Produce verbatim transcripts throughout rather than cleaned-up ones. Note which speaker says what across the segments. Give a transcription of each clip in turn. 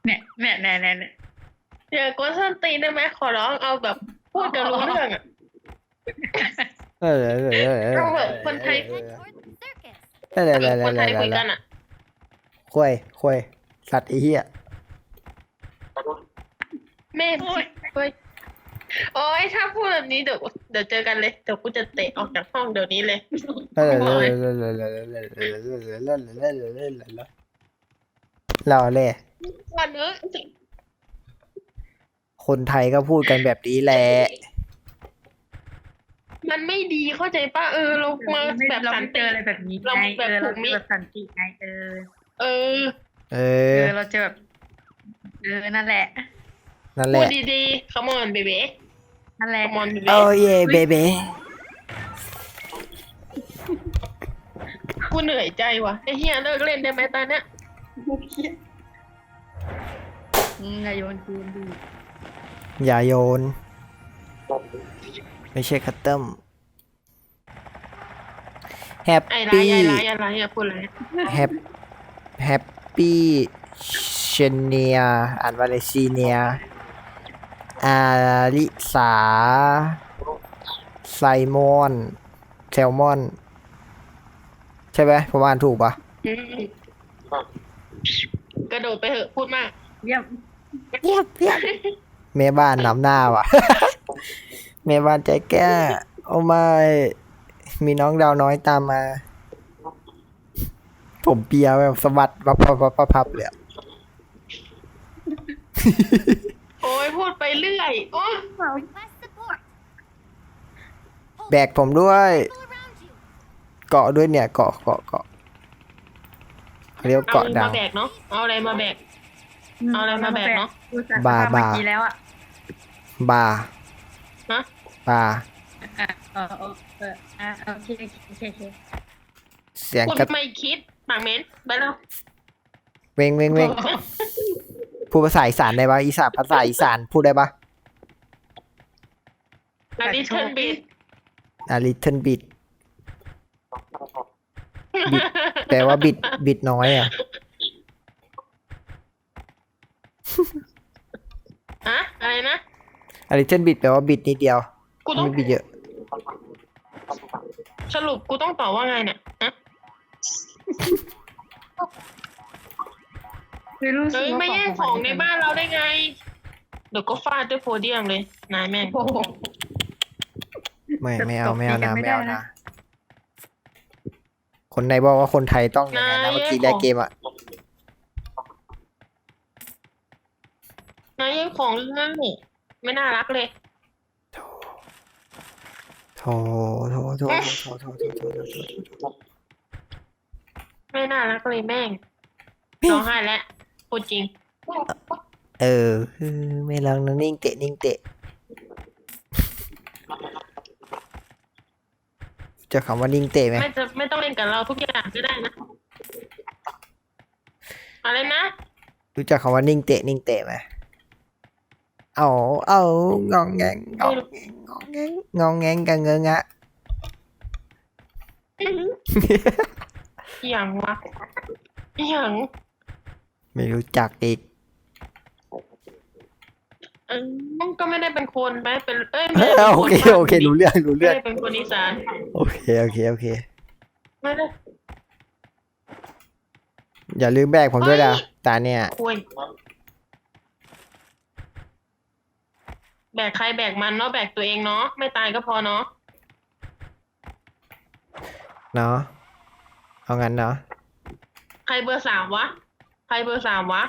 Speaker 1: เนี่ยเนี่ยเนี่ยเนี่ยเนี่ย
Speaker 2: อย่ากวนส้นตีนได้ไหมขอร้องเอาแบบพูดกันรู้เรื่องอ่ะ
Speaker 3: เออเออเออเออ
Speaker 2: เอาแบบคนไทย
Speaker 3: เออ
Speaker 4: Head toward the circus.
Speaker 3: เออเออเออ
Speaker 2: คนไทย
Speaker 3: เออ
Speaker 2: คุยกันอ่ะ
Speaker 3: คุยคุยสัตว์ไอ้เหี้ย
Speaker 2: แม่โอ้ยเฮ้ยโอ้ยถ้าพูดแบบนี้เดี๋ยวเดี๋ยวเจอกันเลยเดี๋ยวกูจะเตะออกจากห้องเดี๋ยวนี้เลย
Speaker 3: เออเออเออเออเออเออเออเออเออเออเออเออเออเราเลย
Speaker 2: วันนี้
Speaker 3: คนไทยก็พูดกันแบบนี้แหละ
Speaker 2: มันไม่ดีเข้าใจป่ะเออเรามา
Speaker 1: ไม่
Speaker 2: แบบ
Speaker 1: เรา
Speaker 2: สัน
Speaker 1: ไม่เจ
Speaker 2: ติ
Speaker 1: ออะไรแบบนี้
Speaker 2: เรา
Speaker 1: ไง
Speaker 2: แบบ
Speaker 1: เออเรา
Speaker 2: ถูกมิ
Speaker 1: เจอแบบสันติไงเออ
Speaker 2: เออ
Speaker 3: เอ
Speaker 1: เอ
Speaker 3: อ
Speaker 1: อเราเจอแบบเออนั่นแหละ
Speaker 3: นั่นแห
Speaker 2: พูด
Speaker 3: ละ
Speaker 2: ดีๆ come on baby
Speaker 1: นั่นแหละ
Speaker 2: come on baby
Speaker 3: โอ้เย่เบเบ้
Speaker 2: กูเหนื่อยใจว่ะไอ้เฮียเลิกเล่นได้ไหมตอนเนี้ย
Speaker 1: อืมอย่าโยนคืนดิ
Speaker 3: อย่าโยน ไม่ใช่คัตเติ้มแฮป
Speaker 2: ไอ้ไร
Speaker 3: ปี้
Speaker 2: ไอ้ไรไอ้ไรอย่าพูดเลย
Speaker 3: แฮปแฮปปี้เชเนียอ่านว่าอะไรซีเนียอาลิสาไซมอนแซลมอน ใช่ไหมผมอ่านถูกปะ
Speaker 2: อืมกระโดดไปเถอะพูดมาก
Speaker 1: เยี่ยม
Speaker 3: เยียบเยียบแม่บ้านนำหน้าว่ะ แม่บ้านใจแก้โอ้ไม่มีน้องดาวน้อยตามมา ผมเปียแบบสะบัดปับปับปับปับปับเลยอะ
Speaker 2: โอ้ยพูดไปเรื่อยโอ้
Speaker 4: Request support.
Speaker 3: แบกผมด้วย
Speaker 4: People around you.
Speaker 3: เกาะด้วยเนี่ยเกาะเกาะเกาะเขาเรียกว่า
Speaker 2: เอา
Speaker 3: เกาะดา
Speaker 2: มาว แบกเนาะเอาอะไรมาแบก เอาอะไรมาแบกเนอะ
Speaker 1: อุตส่ห์
Speaker 3: บา
Speaker 1: ทำเมื่อบ
Speaker 3: า
Speaker 1: กี้แล้วอ่ะ
Speaker 3: บาร์
Speaker 2: นะ
Speaker 3: บาร์
Speaker 1: อ่ะเออเออเอออ่ะโอเคโอเคโอเค
Speaker 3: เสียง
Speaker 2: คุณ
Speaker 3: กระ
Speaker 2: ไม่คิดปากเหม็นไปแล้ว
Speaker 3: เวงเวงเวงพูดภาษาอีสานได้ปะอีสานภาษาอีสานพูดได้ปะ
Speaker 2: อันนี้เทิร์นบีด
Speaker 3: อ่ะ little bit แปลว่าบิดบิดน้อยอ่ะ
Speaker 2: อะอะไรนะ
Speaker 3: อ่ะ little bit แปลว่าบิดนิดเดียว
Speaker 2: กูต้อง
Speaker 3: ไม่บิดเยอะ
Speaker 2: สรุปกูต้องตอบว่าไงเนี่ยฮะ
Speaker 1: คือรู้สึ
Speaker 2: เอ้
Speaker 1: ก
Speaker 2: ย
Speaker 1: ว่า
Speaker 2: ไม่แย่งของในบ้านเราได้ไง เดี๋ยวก็ฟาดด้วยโพเดียมเลย นายแม่ง
Speaker 1: โอ้โห
Speaker 3: ไม่ไม่เอาไม่เอานะ
Speaker 1: ตบตีกันไม่
Speaker 3: ไม่เอา
Speaker 1: ได้
Speaker 3: นะ
Speaker 1: นะ
Speaker 3: คนไหนบอกว่าคนไทยต้องอย่างนั้นนะ
Speaker 2: นาย
Speaker 3: เมื่อกี้แรกเกมอ่ะ
Speaker 2: นายแย่งของง่ายไม่น่ารักเลย
Speaker 3: โถโถโถโถโถโถโถโถโถโถ
Speaker 2: ไม่น่ารักเลยแม่งร้องไห้แล้วพูดจริง
Speaker 3: เออเออไม่ลองนะนิ่งเตะนิ่งเตะเจะคำว่านิ่งเตะไหม
Speaker 2: ไม่จะไม่ต้องเล่นกับเราทุกอย่างก็ได้นะ อะไรนะ
Speaker 3: รู้จักคำว่านิ่งเตะนิ่งเตะไหมเอาเอางองแงงงองแงงงองแงงงองแงงกันเงงะ
Speaker 2: อหย่างวะอหย่าง
Speaker 3: ไม่รู้จักอีก
Speaker 2: เออมันก็ไม่ได้เป็นคนไปเป็นเอ้ย
Speaker 3: เอ
Speaker 2: ไม่ได้
Speaker 3: อ
Speaker 2: เป็น
Speaker 3: โอ
Speaker 2: คน
Speaker 3: เคโอเครู้เรื่องรู้
Speaker 2: ไม่
Speaker 3: เรื่อง
Speaker 2: ได้เป็นคนอีสาน
Speaker 3: โอเคโอเคโอเค
Speaker 2: ไม่ได้
Speaker 3: อย่าลืมแบกผมด้วยนะตาเนี่ย
Speaker 2: คุยแบกใครแบกมันเนาะแบกตัวเองเนาะไม่ตายก็พอเนาะ
Speaker 3: เนาะเอางั้นเนาะ
Speaker 2: ใครเบอร์สามวะ ใครเบอร์สามวะ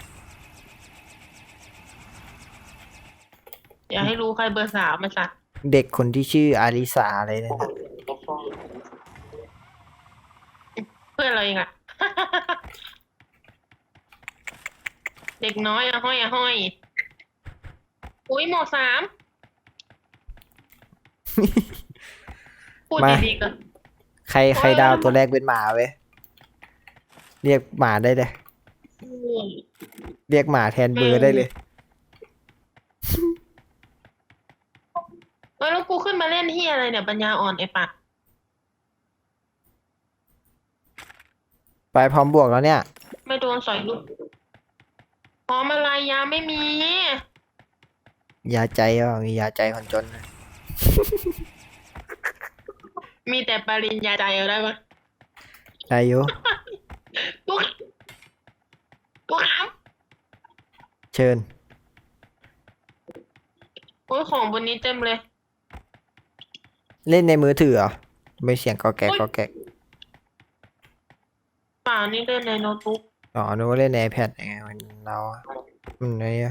Speaker 2: อย่าให้รู้ใครเบอร์สามมาสัตว์
Speaker 3: เด็กคนที่ชื่ออาริสาอะไรนั่นน่ะ
Speaker 2: เพื่อนเราเองอะ เด็กน้อยอะห้อยอะห้อย อุ้ยหมอสาม พูดดีๆกัน
Speaker 3: ใครใครดาวตัวแรกเป็นหมาเว้ยเรียกหมาได้เลย
Speaker 2: อืม
Speaker 3: เรียกหมาแทนเบอร์ได้เลย
Speaker 2: เออแล้วกูขึ้นมาเล่นที่อะไรเนี่ยปัญญาอ่อนไอ้ปัด
Speaker 3: ไปพร้อมบวกแล้วเนี่ย
Speaker 2: ไม่โดนสอยลูกพร้อมอะไรยาไม่มี
Speaker 3: ยาใจว่ามียาใจคนจนนะ
Speaker 2: มีแต่ปริญญาใจเอาได้ปะ
Speaker 3: ได้อยู่
Speaker 2: ปุ๊กปุ๊กครับ
Speaker 3: เชิญ
Speaker 2: โอ้ยของบนนี้เต็มเลย
Speaker 3: เล่นในมือถือเหรอไม่เสียงกอแกกกอแกก
Speaker 2: เปล่านี่เล่นในโน้ตบุ๊ก
Speaker 3: อ๋อนึกว่าเล่นใน iPad ไงมันเราอืมไอ้เนี่ย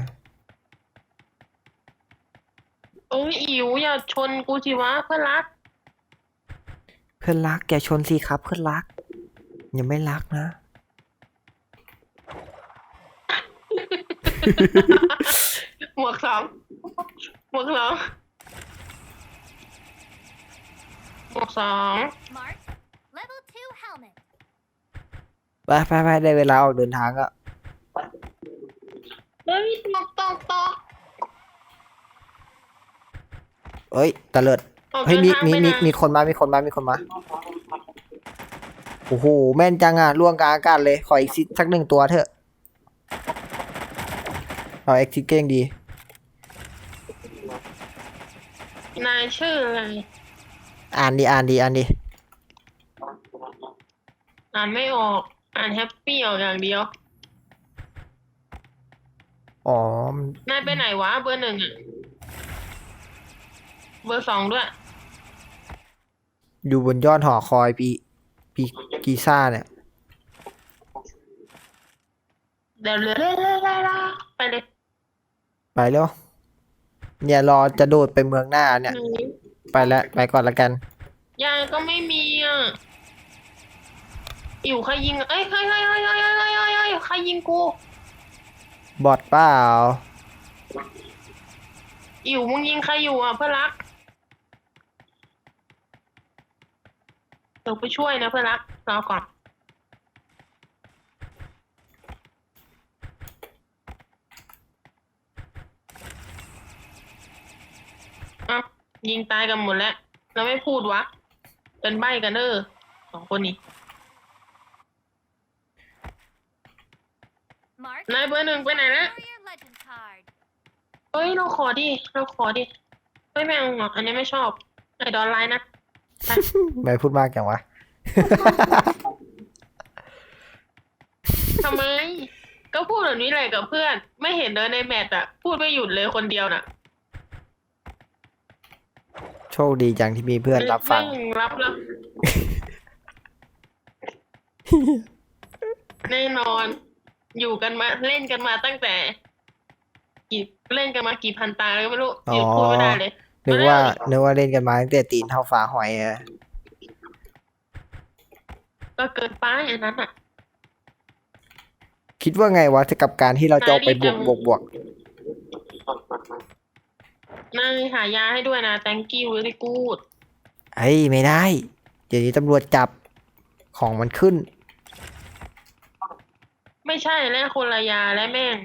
Speaker 2: เอ้ยอิ๋วอย่าชนกูสิวะเพื่อนรัก
Speaker 3: เพื่อนรักแกชนสิครับเพื่อนรักยังไม่รักนะ
Speaker 2: หมวกสองหมวกสองหมวกสอง
Speaker 4: Mark. Level two helmet.
Speaker 3: ไปไปไปได้เวลาออกเดินทางก็
Speaker 2: เฮ้ยตกตกตก
Speaker 3: เอ้ยตะเลิด
Speaker 2: ออก
Speaker 3: เฮ้ย
Speaker 2: เดิน
Speaker 3: มี
Speaker 2: ทาง
Speaker 3: มี
Speaker 2: ไป
Speaker 3: มี
Speaker 2: นะ
Speaker 3: มีคนมามีคนมามีคนมาโอ้โหแม่นจังอ่ะล่วงกลางอากาศเลยขออีกสิสักหนึ่งตัวเถอะเอาเอ็กซิเก้งดี
Speaker 2: นายชื่ออะไร
Speaker 3: อ่านดีอ่านดีอ่านดี
Speaker 2: อ่านไม่ออก อ่านแฮปปี้ออกอย่างเดียว
Speaker 3: อ๋อน
Speaker 2: ายไปไหนวะเบอร์หนึ่งอะเบอร์สองด้วย
Speaker 3: อยู่บนยอดหอคอยปีปีกีซ่าเนี่ย
Speaker 2: เดี๋ยวเรื่อยๆไปเลย
Speaker 3: ไปเร็วเนี่ยรอจะโดดไปเมืองหน้าเนี่ย ไปแล้วไปก่อนละกัน
Speaker 2: ยายก็ไม่มีอ่ะอยู่ใครยิงเอ้ยใครใครใครใครใครใครใครใครยิงกู
Speaker 3: บอดเปล่า
Speaker 2: อยู่มึงยิงใครอยู่อ่ะเพื่อนรักเดี๋ยวไปช่วยนะเพื่อนรักรอก่อนอ่ะยิงตายกันหมดแล้วเราไม่พูดวะเป็นใบ้กันเด้อสองคนนี้
Speaker 4: Mark.
Speaker 2: นายเบอร์หนึ่งไปไหนนะ
Speaker 4: Warrior legend card.
Speaker 2: เอ้ยเราขอดิเราขอดิเฮ้ยไม่เอาหรอกอันนี้ไม่ชอบไอ้ดอนไลน์นะ
Speaker 3: ไม่พูดมากจังวะ
Speaker 2: ทำไม ก็พูดแบบนี้แหละกับเพื่อน ไม่เห็นเลยในแมตช์อะพูดไม่หยุดเลยคนเดียวน่ะ
Speaker 3: โชคดีจังที่มีเพื่อนรับฟัง
Speaker 2: แม่รับแล้ว แน่นอน อยู่กันมาเล่นกันมาตั้งแต่ กี่เล่นกันมากี่พันตาแล้วก็ไม่รู้
Speaker 3: อ๋อ
Speaker 2: หยุดพูดไม่ได้เลย
Speaker 3: นึกว่านึกว่าเล่นกันมาตั้งแต่ตีนเท่าฝาหอยอะ
Speaker 2: ก็เกินไปอันนั้นอ่ะ
Speaker 3: คิดว่าไงวะกับการที่เราจะเอาไปบวกบวกบวก
Speaker 2: นายหายาให้ด้วยนะ thank you very good
Speaker 3: เฮ้ยไม่ได้ เดี๋ยวนี้ตำรวจจับของมันขึ้น
Speaker 2: ไม่ใช่และคนละยาและแม่ง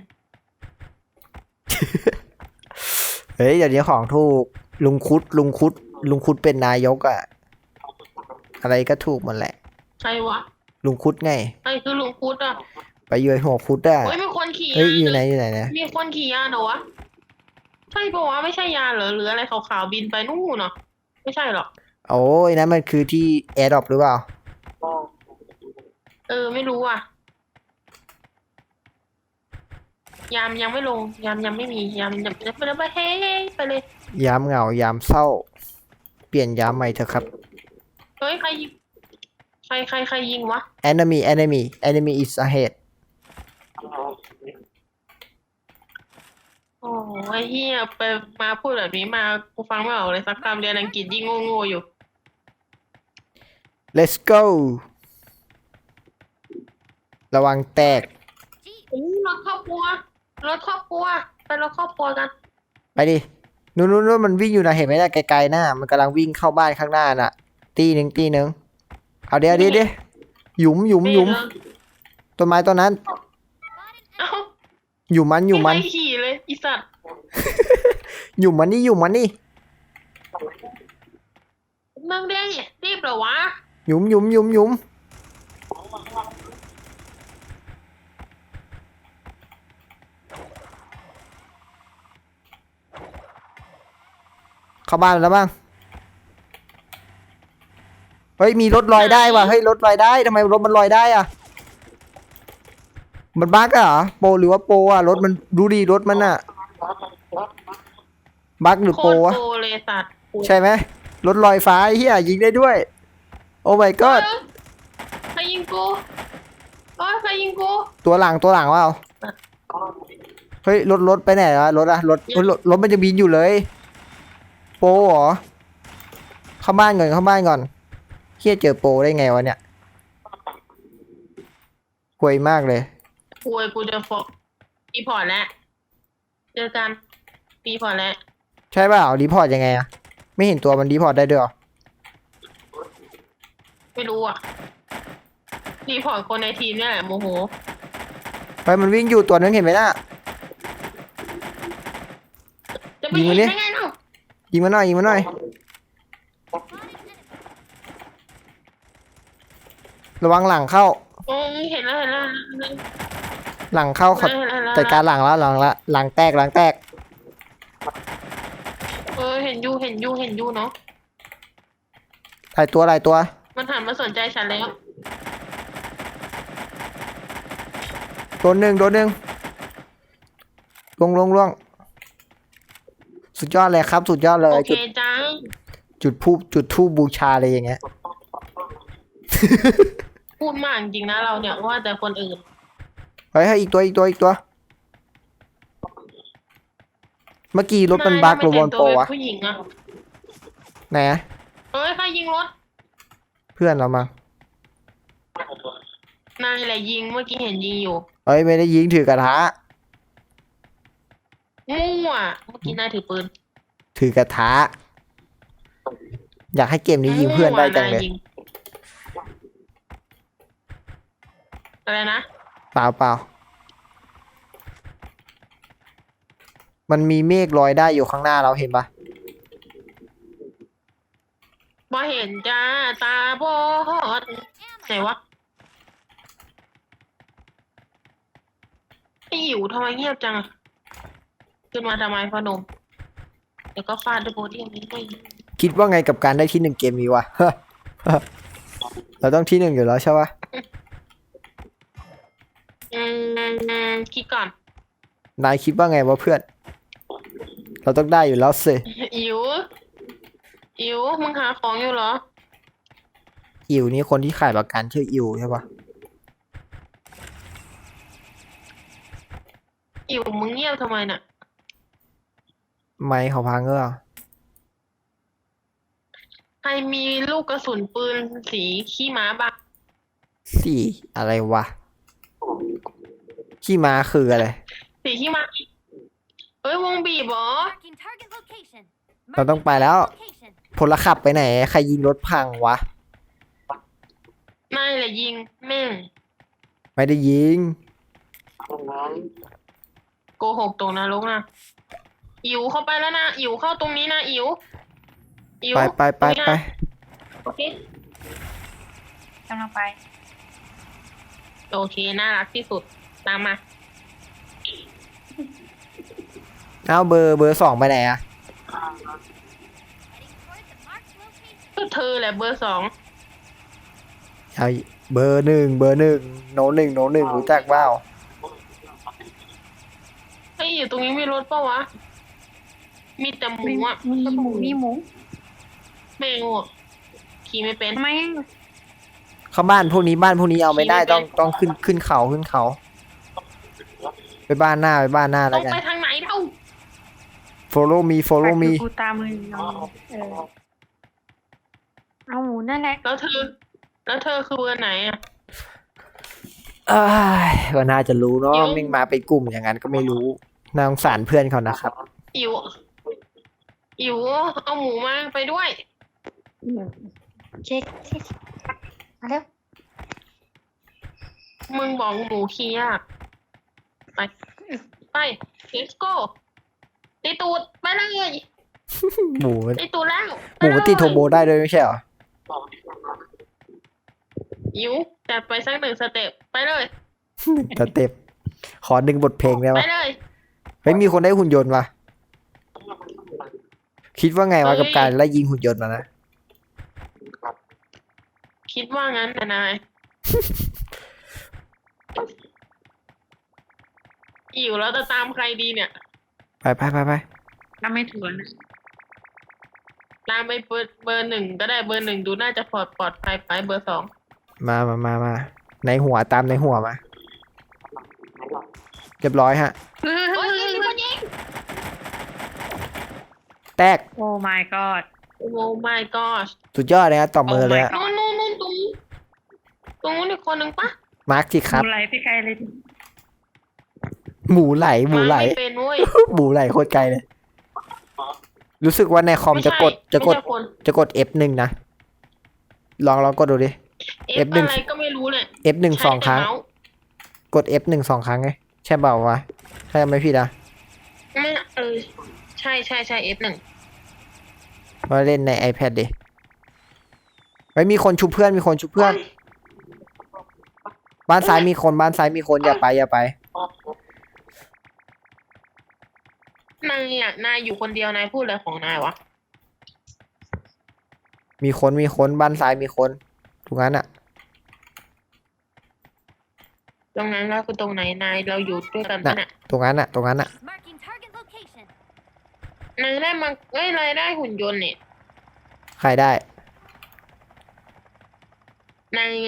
Speaker 3: เฮ้ยเดี๋ยวนี้ของถูกลุงคุดลุงคุดลุงคุดเป็นนายกอะอะไรก็ถูกหมดแหละ
Speaker 2: ใครวะ
Speaker 3: ลุงคุดไง
Speaker 2: ใครคือลุงพุทธอ่ะ
Speaker 3: ไปเยือนหัวคุดอะ
Speaker 2: เฮ้ยมีคนขี่
Speaker 3: เฮ้ย
Speaker 2: ยา
Speaker 3: อยู่ไหนอยู่ไหนนะ
Speaker 2: มีคนขี่ยาเหรอวะ ใช่ปะวะไม่ใช่ยาเหรอหรืออะไรขาวๆบินไปนู่นเนาะไม่ใช่หรอก
Speaker 3: โอ้ยนั่นมันคือที่แอร์ดรอปหรือเปล่า
Speaker 2: เออไม่รู้อ่ะ ยามยังไม่ลง ยามยังไม่มียามยังไปแล้วไปเฮ้ยไปเลย
Speaker 3: ยามเหงายามเศร้า เปลี่ยนยามใหม่เถอะครับ
Speaker 2: เฮ้ยใครยิงใครใครใครยิงวะ
Speaker 3: enemy enemy enemy is ahead
Speaker 2: โอ้ไอ้เหี้ยไปมาพูดแบบนี้มากูฟังไม่ออกเลยสักคำเรียนอังกฤษยิ่งโง่ๆอยู่
Speaker 3: let's go ระวังแตก
Speaker 4: Jeep.
Speaker 2: โอ้รถครอบครัวรถครอบครัวไปรถครอบครัวกัน
Speaker 3: ไปดินู่นนู่นนู่นมันวิ่งอยู่นะเห็นไหมน่ะไกลๆหน้ามันกำลังวิ่งเข้าบ้านข้างหน้าน่ะ ตีหนึ่งตีหนึ่งเอาเดี๋ยวเดี๋ยวเดี๋ยวหยุมหยุมหยุมต้นไม้ต้นนั้น
Speaker 4: Got an
Speaker 2: เอ้า
Speaker 3: หยุมมันหยุมมัน
Speaker 2: ไใครขี่เลยอีสัตว์
Speaker 3: หยุมมันนี่หยุมมันนี่
Speaker 2: มึงได้รีบเหรอวะ
Speaker 3: หยุมหยุมหยุมหยุมเข้าบ้านแล้วบ้างเฮ้ยมีรถลอยได้ว่ะเฮ้ยรถลอยได้ทำไมรถมันลอยได้อ่ะมันบั๊กอะเหรอโปรหรือว่าโปรอ่ะรถมันดูดีรถมันอ่ะบั๊กหรือ
Speaker 2: โค
Speaker 3: โปร
Speaker 2: ตร
Speaker 3: วะ
Speaker 2: โปรเลยสัตว์
Speaker 3: ใช่ไหมรถลอยฟ้าไอ้เฮียยิงได้ด้วย โอ้ my
Speaker 2: ก็
Speaker 3: god
Speaker 2: ใครยิงกูโอ้ยใครยิงกู
Speaker 3: ตัวหลังตัวหลังว่าเฮ้ยรถรถไปไหนวะรถอะรถรถรถมันจะบินอยู่เลยโปรเหรอเข้าบ้านก่อนเข้าบ้านก่อนเฮียเจอโปรได้ไงวะเนี่ยห่วยมากเลย
Speaker 2: กูไอ้กูจะฟอกปีพอร์ตแล้วเจอกันปีพอร์ตแล้ว
Speaker 3: ใช่เปล่ารีพอร์ตยังไงอะไม่เห็นตัวมันรีพอร์ตได้ด้วยเหรอ
Speaker 2: ไม่รู้อ่ะรีพอร์ตคนในทีมเนี่ยแหละโมโห
Speaker 3: ไปมันวิ่งอยู่ตัวนึงเห็นไหมน่ะ
Speaker 2: จะไป
Speaker 3: ยิง
Speaker 2: เห็
Speaker 3: มัน นดิ
Speaker 2: ได้ไงเนาะ
Speaker 3: ยิงมาหน่อยยิงมาหน่อย ระวังหลังเข้า
Speaker 2: โอ้ยเห็นแล้วเห็นแล้ว
Speaker 3: หลังเข้าเขา
Speaker 2: เห็นแล้วเห็นแล้ว
Speaker 3: จัดการหลังแล้วหลังละหลังแตกหลังแตก
Speaker 2: เออเห็นยูเห็นยูเห็นยูเนาะ
Speaker 3: หลายตัวหลายตัว
Speaker 2: มันหันมาสนใจฉันแล้ว
Speaker 3: โดนหนึ่งโดนหนึ่งลวงลวงลวงสุดยอดเลยครับ สุดยอดเลย
Speaker 2: โอเค
Speaker 3: จุด
Speaker 2: จัง
Speaker 3: จุดทูบจุดทูบบูชาเลยอย่างเงี้ย
Speaker 2: พูดมากจริงนะเราเนี่ยว่าแต่คนอื่น
Speaker 3: เฮ้ยให้อีกตัวอีกตัวอีกตัว เมื่อกี้รถมันบั๊กหรือบอลโปรวะ
Speaker 2: ผู้หญิงอะ
Speaker 3: ไหนอะ
Speaker 2: เฮ้ยใครยิงรถ
Speaker 3: เพื่อนเรามา
Speaker 2: นายแหละยิงเมื่อกี้เห็นยิงอยู่
Speaker 3: เฮ้ยไม่ได้ยิงถือกระทะ
Speaker 2: มั่วเมื่อกี้นายถือปืน
Speaker 3: ถือกระทะ อยากให้เกมนี้ยิงเพื่อนได้จังเลย
Speaker 2: มั่วนายงอะไรนะ
Speaker 3: เปล่าเปล่ามันมีเมฆลอยได้อยู่ข้างหน้าเราเห็นปะ
Speaker 2: บอเห็นจ้าตาบอดไหนวะไอหิวทำไมเงียบจังอะขึ้นมาทำไมพอหนมเดี๋ยวก็ฟาดด้วยโบที่ยังไม่ได้
Speaker 3: คิดว่าไงกับการได้ที่หนึ่งเกมนี้วะ เราต้องที่หนึ่งอยู่แล้วใช่ปะ
Speaker 2: อืมคิดก่อน
Speaker 3: นายคิดว่าไงวะเพื่อน เราต้องได้อยู่แล้วสิ
Speaker 2: อิ๋วอิ๋วมึงหาของอยู่เหรอ
Speaker 3: อิวนี่คนที่ขายประกันชื่ออิวใช่ปะ
Speaker 2: อิ๋วมึงเงียบทำไมน่ะ
Speaker 3: ไม่เขาพังเออ
Speaker 2: ใครมีลูกกระสุนปืนสีขี้ม้าบ้าง
Speaker 3: สี่อะไรวะขี้ม้าคืออะไร
Speaker 2: สีขี้ม้าเอ้ยวงบีบเหรอ
Speaker 4: Marking target location.
Speaker 3: เราต้องไปแล้ว
Speaker 4: Location.
Speaker 3: พลขับไปไหน ใครยิงรถพังวะ
Speaker 2: นายแหละยิงแม่ง
Speaker 3: ไม่ได้ยิง
Speaker 2: โกหกตรงนรกนะอิ๋วเข้าไปแล้วนะอิ๋วเข้าตรงนี้นะอิ๋วอิ๋ว
Speaker 3: ไปไปไปไป
Speaker 2: โอเค
Speaker 1: กำลังไป
Speaker 2: โอเคน่ารักที่สุดตามมา
Speaker 3: เอาเบอร์เบอร์สองไปไหนอะ
Speaker 4: Heading towards the marked location.
Speaker 2: ก็เธอแหละเบอร์สอง
Speaker 3: เอาเบอร์หนึ่งเบอร์หนึ่งโนหนึ่งโนหนึ่งรู้จักเปล่า
Speaker 2: เฮ้ยอยู่ตรงนี้มีรถเปล่าวะมีแต่หมู
Speaker 1: มี
Speaker 2: อ่ะ
Speaker 1: มีหมูมีหมู
Speaker 2: แม่งอ่ะขี่ไม่เป็น
Speaker 1: ทำไม
Speaker 3: เข้าบ้านพวกนี้บ้านพวกนี้เอาไม่ได้ต้องต้องขึ้นขึ้นเขาขึ้นเขา ไปบ้านหน้าไปบ้านหน้า
Speaker 2: ต้
Speaker 3: แล้
Speaker 2: อ
Speaker 3: ว
Speaker 2: ง
Speaker 3: กัน
Speaker 2: ไปทางไหนเท่า
Speaker 3: follow me follow me
Speaker 1: กูตามมือเอาเออเอาหมูนั่นแหละ
Speaker 2: แล้วเธอ แล้วเธอคือเบอร์ไหนอ่ะ
Speaker 3: เอ้ยก็น่าจะรู้เนาะ
Speaker 2: เดี๋ยว
Speaker 3: มิ่งมาเป็นกลุ่มอย่างนั้นก็ไม่รู้น่าสงสารเพื่อนเขานะครับ
Speaker 2: อิ๋วอิ๋วเอาหมูมาไปด้วย
Speaker 1: เช็คเช็คมาเร็ว
Speaker 2: มึงบอกหมูขี้ยากไป ไป let's go ตีตูดไปเลย
Speaker 3: หมู
Speaker 2: ตีตูดแล้ว
Speaker 3: หมูมันติดโทโบได้ด้วยไม่ใช่เหรอ
Speaker 2: อิ๋วจัดไปสักหนึ่งสเต็ปไปเลย
Speaker 3: สเต็ปขอดึงบทเพลงได้
Speaker 2: ไป
Speaker 3: ปะ
Speaker 2: เลย
Speaker 3: เฮ้ยมีคนได้หุ่นยนต์ว่ะคิดว่าไงวะกับการไล่ยิงหุ่นยนต์มานะ
Speaker 2: คิดว่างั้นนะนาย อิ๋วแล้วจะตามใครดีเนี่ย
Speaker 3: ไปไปไปไป
Speaker 1: ถ้าไม่ถูกนะ
Speaker 2: ตามไปเบอร์เบอร์หนึ่งก็ได้เบอร์หนึ่งดูน่าจะปลอดปลอดภัยไปเบอร์สอง
Speaker 3: มามามามาในหัวตามในหัวมา เรียบร้อยฮะ
Speaker 1: เฮ้ย
Speaker 2: โอ้ยยิงมีคนยิง
Speaker 3: แตก
Speaker 1: โอ้ my god
Speaker 2: โอ้ my gosh
Speaker 3: สุดยอดเลยฮะต่อมือเลยฮะ
Speaker 1: Oh my
Speaker 2: นู่นนู่นนู่นตรงตรงนู้นอีกคนหนึ่งปะ
Speaker 3: มาร์คสิครับ
Speaker 1: ดูไรพี่ไกลเลย
Speaker 3: หมูไหลหมูไหล
Speaker 2: ไม่เป็นเว้ย
Speaker 3: หมูไหลโคตรไกลเลย รู้สึกว่าในคอม
Speaker 2: ไม่
Speaker 3: จะ
Speaker 2: ใช่
Speaker 3: กดจะกด
Speaker 2: ไม่ใช่คน
Speaker 3: จะกด เอฟ หนึ่งนะ ลองลองกดดูดิ
Speaker 2: เอฟ
Speaker 3: F หนึ่ง
Speaker 2: อะไรก็ไม่รู้เนี่ย
Speaker 3: เอฟ หนึ่งสองครั้ง
Speaker 2: ใช้แต่เมาส์
Speaker 3: กด เอฟ หนึ่งสองครั้งไงใช่เปล่าวะใช่ไหมพี่ดา
Speaker 2: ไม่เออใช่ใช่ใช่เอฟหนึ่ง
Speaker 3: มาเล่นใน iPad ดิไว้มีคนชุบเพื่อนมีคนชุบเพื่อน บ้านซ้ายมีคนบ้านซ้ายมีคนอย่าไปอย่าไป
Speaker 2: นายอ่ะนายอยู่คนเดียวนายพูดอะไรของนายวะ
Speaker 3: มีคนมีคนบ้านซ้ายมีคนถูกงั้นอ่ะ
Speaker 2: ตรงนั้นแล้วคือตรงไหนนายเราอยู่ด้วยกัน
Speaker 3: น่ะ
Speaker 2: ปะเนี่ย
Speaker 3: ตรงนั้นอ่ะ ตรงนั้นอ่ะ
Speaker 4: Marking target location.
Speaker 2: นายได้มาเอ้ยนายได้หุ่นยนต์เนี่ย
Speaker 3: ใครได้
Speaker 2: นาย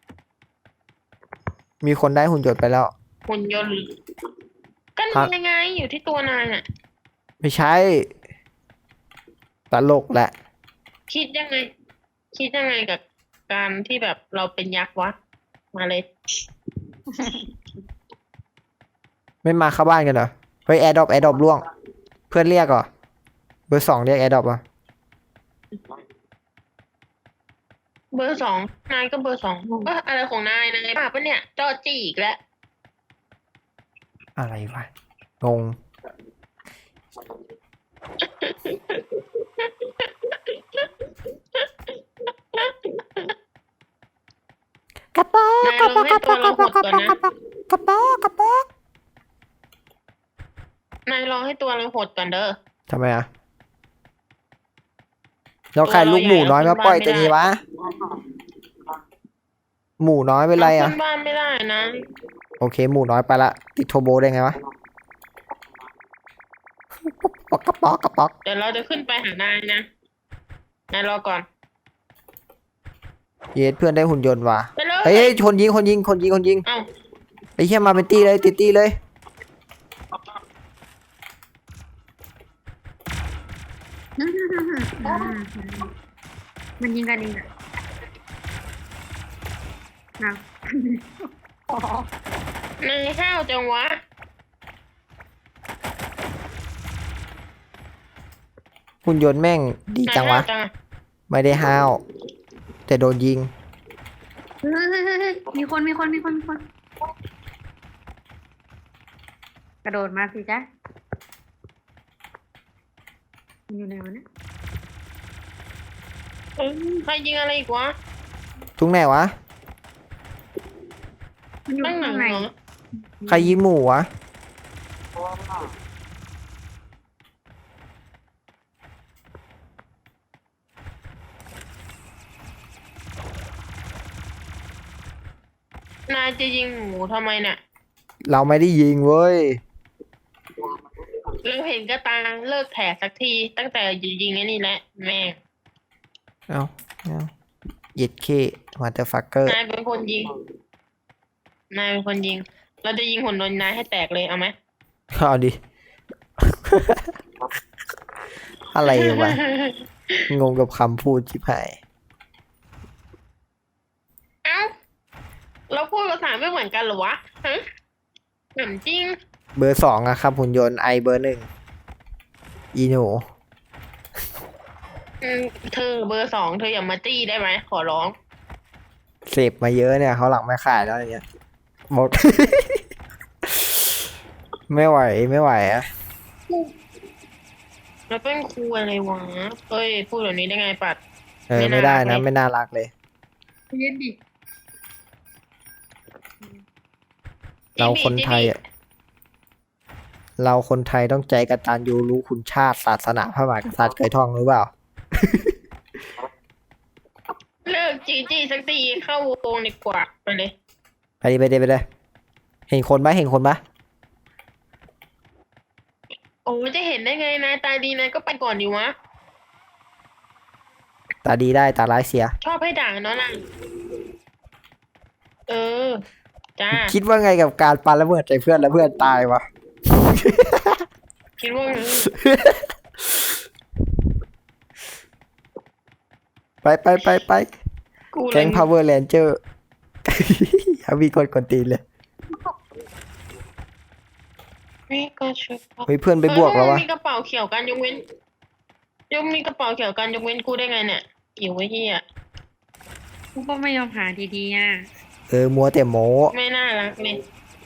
Speaker 3: มีคนได้หุ่นยนต์ไปแล้ว
Speaker 2: หุ่นยนต์หรือก็
Speaker 3: ครั
Speaker 2: นา
Speaker 3: บ
Speaker 2: ยไงอยู่ที่ตัวนายน่ะ
Speaker 3: ไม่ใช่ตลกแหละ
Speaker 2: คิดยังไง คิดยังไงกับการที่แบบเราเป็นยักษ์วะ มาเลย
Speaker 3: ไม่มาเข้าบ้านกันเหรอเฮ้ยแอร์ดรอปแอร์ดรอปล่วง เพื่อนเรียกเหรอเบอร์สองเรียกแอร์ดรอปอ่ะ
Speaker 2: เบอร์สองนายก็เบอร์สองก็อะไรของนายนายบ้าปะเนี่ยจอจี้อีกแล้ว
Speaker 3: อะไรวะงงกระป๋อก
Speaker 2: นายลองให้ตัวเราหดก่อนนะ
Speaker 3: กระป๋อกระป๋อก
Speaker 2: นายลองให้ตัวเราหดก่อนเด้อ
Speaker 3: ทำไมอ่ะแล้วใครลูกหมูน้อยมาปล่อยตัวนี้วะหมูน้อยเป็นไรอ่ะ
Speaker 2: ขึ้นบ้านไม่ได้นะ
Speaker 3: โอเค หมูน้อยไปละติดโทโบได้ไงวะปอกกระป๋อกกระป๋อก
Speaker 2: เดี๋ยวเราจะขึ้นไปหานายนะนายรอก่อน
Speaker 3: เยสเพื่อนได้หุ่นยนต์ว่ะ
Speaker 2: ไปเลย
Speaker 3: เฮ้ยเฮ้ยคนยิงคนยิงคนยิงคนยิง
Speaker 2: เอ้า
Speaker 3: ไอ้เหี้ยมาเป็นตี้เลยติดตี้เลย
Speaker 1: มันยิงกันเองอะนะ
Speaker 2: นายห้าวจังวะ
Speaker 3: หุ่นยนต์แม่งดี
Speaker 2: นาย
Speaker 3: จังะ
Speaker 2: ห้าววจังอะ
Speaker 3: ไม่ได้ห้าว แต่โดนยิง
Speaker 1: เฮ้ยเฮ้ยเฮ้ยเฮ้ยมีคนมีคนมีคนมีคน กระโดดมาสิจ๊ะมันอยู่ไหนวะเนี่ย
Speaker 2: เอ้ยใครยิงอะไรอีกวะ
Speaker 3: ทุกไหนวะ
Speaker 1: มันอยู่
Speaker 2: ตั้งหนั
Speaker 1: ข้าง งใน
Speaker 2: เหรอ
Speaker 3: ใครยิงหมูวะ
Speaker 2: นายจะยิงหมูทำไมเนี่ย
Speaker 3: เราไม่ได้ยิงเว้ย
Speaker 2: เราเห็นกระตาเลิกแถสักที ตั้งแต่อยู่ยิงไอ้นี่แหละแม่ง
Speaker 3: เอาเอาเย็ดเคมาเตอร์ฟักเกอร์
Speaker 2: นายเป็นคนยิง นายเป็นคนยิง เราจะยิงหุ่นยนต์นายให้แตกเลยเอาไหม
Speaker 3: เอาดิ อะไรวะ งงกับคำพูดชิบหาย
Speaker 2: เอ้า เราพูดภาษาไม่เหมือนกันเหรอวะฮะเหมือนจริง
Speaker 3: เบอร์สองอะครับหุ่นยนต์ไอเบอร์หนึ่งอีหนู
Speaker 2: อืมเธอเบอร์สองเธออย่ามาจี้ได้ไหมขอร้อง
Speaker 3: เสพมาเยอะเนี่ยเขาหลังไม่ขายแล้วอย่างเงี้ยหมด ไม่ไหวไม่ไหวอะ
Speaker 2: แล้วเป็นครูอะไรวะเอ้ย พูดแบบนี้ได้ไงปัด
Speaker 3: เออ
Speaker 2: ไม่
Speaker 3: ไม่
Speaker 2: น่า
Speaker 3: ได้
Speaker 2: รัก
Speaker 3: นะ
Speaker 2: เลย
Speaker 3: ไม่น่ารักเลย
Speaker 1: เย็นดิ
Speaker 3: เราคนไทยอะเราคนไทยต้องใจกตัญญูรู้คุณชาติศาสนาพระมหากษัตริย์เคยท่องหรือเปล่า
Speaker 2: เลิกจีจีสักทีเข้าวงดีกว่าไปเลย
Speaker 3: ไปดิไปดิไปเลยเห็นคนปะเห็นคนปะ
Speaker 2: โอ้จะเห็นได้ไงนายตาดีนายก็ไปก่อนดีวะ
Speaker 3: ตาดีได้ตาร้ายเสีย
Speaker 2: ชอบให้ด่าเนาะนางเออ จ้า
Speaker 3: คิดว่าไงกับการปาระเบิดใส่เพื่อนแล้วเพื่อนตายวะ
Speaker 2: คิดว่าไง
Speaker 3: ไปไปไปไป
Speaker 2: กูเลย
Speaker 3: แก๊ง power ranger เอามีคนกดตีนเลย
Speaker 2: นี่ก็ชุด
Speaker 3: เฮ้ยเพื่อนไปบวกแล้ววะ
Speaker 2: มีกระเป๋าเขียวกันยกเว้นยกมีกระเป๋าเขียวกันยกเว้นกูได้ไงเนี่ยอยู่ไว้เฮีย
Speaker 1: กูก็ไม่ยอมหาดีๆอ่ะ
Speaker 3: เออมัวแต่โม
Speaker 2: ไม่น่ารักเลย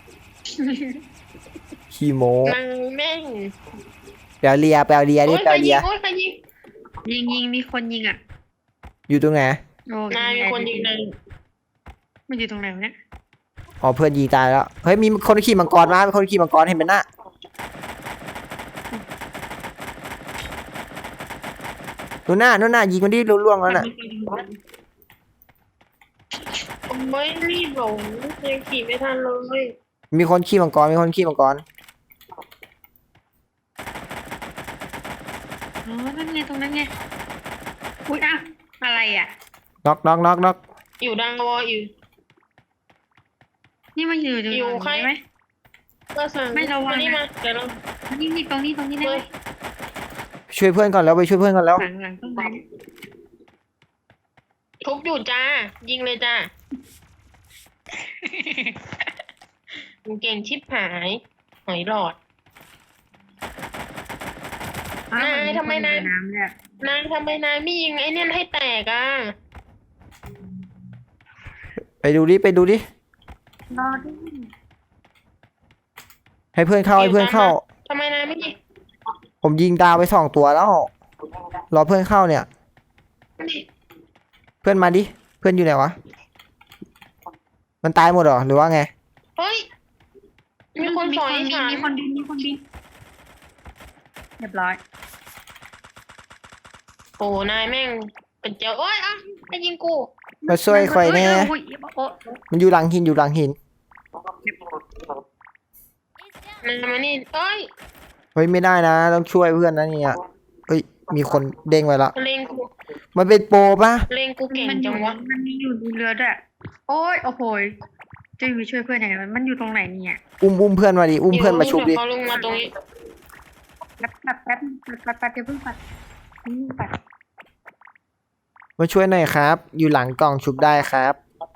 Speaker 3: ขี้โม
Speaker 2: นางแม่ง
Speaker 3: แปลเลียแปลเลียดิ
Speaker 2: โอ้ย
Speaker 3: แปล
Speaker 2: ใคร
Speaker 3: เลี
Speaker 2: ยิ
Speaker 3: ย
Speaker 2: งโอ้ยใครยิง
Speaker 1: ยิงยิงมีคนยิงอ่ะ
Speaker 3: อยู่ตรงไหน
Speaker 1: โอ้
Speaker 2: นายมีคนยิงนาย
Speaker 1: มันอยู่ตรงไหนวะเนี่ย
Speaker 3: อ๋อเพื่อนยิงตายแล้วเฮ้ยมีคนขี่มังกรมามีคนขี่มังกรเห็นไหมน่ะนู่นน่ะนู่นน่ะยิงมันดิล่วงๆแล้วน่ะ
Speaker 2: ไม่รีบหลงยังขี่ไม่ทันเลย
Speaker 3: มีคนขี่มังกรมีคนขี่มังกร
Speaker 1: อ๋อนั่นไงตรงนั้นไงอุ้ยอ้าวอะไรอ่ะ
Speaker 3: น็อกน็อกน็อกน็อก
Speaker 2: อยู่ดังวออยู่
Speaker 1: นี่มันอยู่ตรง
Speaker 2: อยู่
Speaker 1: นี้
Speaker 2: ใคร
Speaker 1: ใช่ไหม
Speaker 2: ก็สั่ง
Speaker 1: ไม่ระวัง
Speaker 2: นี่
Speaker 1: นะ
Speaker 2: มาเดี๋ยวเรา
Speaker 1: นี่นี่ตรงนี้ตรงนี้ได้
Speaker 2: เฮ้
Speaker 1: ไหม
Speaker 2: ย
Speaker 3: ช่วยเพื่อนก่อนแล้วไปช่วยเพื่อนก่อนแล้ว
Speaker 1: หลังหลังต้นไม้
Speaker 2: ทุบอยู่จ้า ยิงเลยจ้ามึงเก่งชิบหายหอยหลอด
Speaker 1: อ้วน
Speaker 2: ายทำไมนาย
Speaker 1: น้ำเนี่ย
Speaker 2: นายทำไมนายไม่ยิงไอ้เนี่ยให้แตกอ่ะ
Speaker 3: ไปดูดิไปดูดิ
Speaker 1: รอดิ
Speaker 3: ให้เพื่อนเข้าให้เพื่อนเข้า
Speaker 2: ทำไมนายไม่ยิง
Speaker 3: ผมยิงดาวไปสองตัวแล้วรอเพื่อนเข้าเนี่ย เพื่อนมาดิเพื่อนอยู่ไหนวะมันตายหมดเหรอหรือว่าไง
Speaker 2: เฮ้ย มีคนสอย
Speaker 1: มี
Speaker 2: ฉัน
Speaker 1: มีคนดินมีคนดินเรียบร้อย
Speaker 2: โอ้นายแม่งเป็นเจ้าโอ้ยอ่ะไปยิงกู
Speaker 3: มาช่วยคอยแน่
Speaker 1: เอ้ยโอ้ย
Speaker 3: มันอยู่หลังหินอยู่หลังหิน
Speaker 4: Is down.
Speaker 2: นายมานี่เอ้ย
Speaker 3: เฮ้ยไม่ได้นะต้องช่วยเพื่อนนะเนี่ยเฮ้ยมีคนเด้งไว้ละ
Speaker 2: เลงกู
Speaker 3: มันเป็นโปรปะ
Speaker 2: เลงกูเก่ง
Speaker 1: มันอ
Speaker 2: จั
Speaker 1: ยู่
Speaker 2: งวะ
Speaker 1: มันมีอยู่ในเรือด้วยโอ้ยโอ้โหยจะอยู่ช่วยเพื่อนยังไงวะมันอยู่ตรงไหนเนี่ย
Speaker 3: อุ้มอุ้มเพื่อนมาดิอุ้มเพื่อนมาชุบดิ
Speaker 2: เดี๋ยวเขาลงมาตรงนี้
Speaker 1: แป๊บแป๊บแป๊บแป๊บแป๊บเดี๋ยวเพิ่งปัดนี่ปัด
Speaker 3: มาช่วยหน่อยครับ อยู่หลังกล่องชุบได้ครับ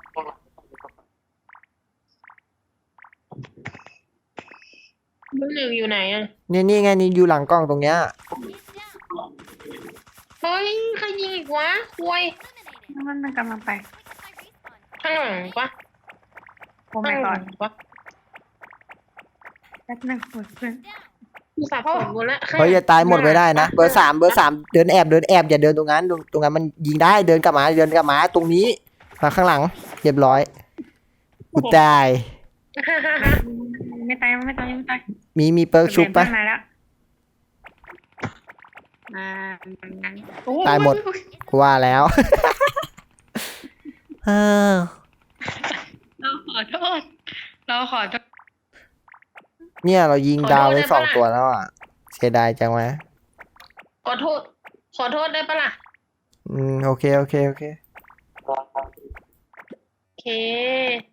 Speaker 2: เบอร์หนึ่งอยู่ไหนอ่ะ
Speaker 3: นี่นี่ไงนี่อยู่หลังกล้องตรงเนี้ย
Speaker 4: Is down.
Speaker 2: เฮ้ยใครยิงอีกวะควย
Speaker 4: Eliminated.
Speaker 1: มันมันกำลังไป
Speaker 4: Wait, my respawn.
Speaker 2: ข้างหลังปะ
Speaker 1: โอ้
Speaker 2: ข้า
Speaker 1: ไม่
Speaker 2: งห
Speaker 1: ก่อ
Speaker 2: ลั
Speaker 1: น
Speaker 2: งปะ
Speaker 1: แป๊บนึงโอ้ยเพื่อน
Speaker 2: กูสับสนหมดละข้ง
Speaker 3: เฮ้ยอย่าตายหมดไม่ได้นะเบอร์สามเบอร์สามเดินแอบเดินแอบอย่าเดินตรงนั้นตรงตรงนั้นมันยิงได้เดินกลับมาเดินกลับมาตรงนี้มาข้างหลังเรียบร้อยกูตาย
Speaker 1: ไม่ตายไม่ตายไม่ตาย
Speaker 3: มีมีเปิร์กชุบปะ
Speaker 1: เพื่อนมาแล้วอ่าโอ้
Speaker 3: ตายหมด กูว่าแล้ว เออ
Speaker 1: เราขอโทษเราขอโทษ
Speaker 3: เนี่ยเรายิงดาวไปสองตัวแล้วอ่ะเสียดายจังวะ
Speaker 2: ขอโทษ ขอโทษได้ปะล่ะ
Speaker 3: อืมโอเคโอเคโอเค
Speaker 2: โอเค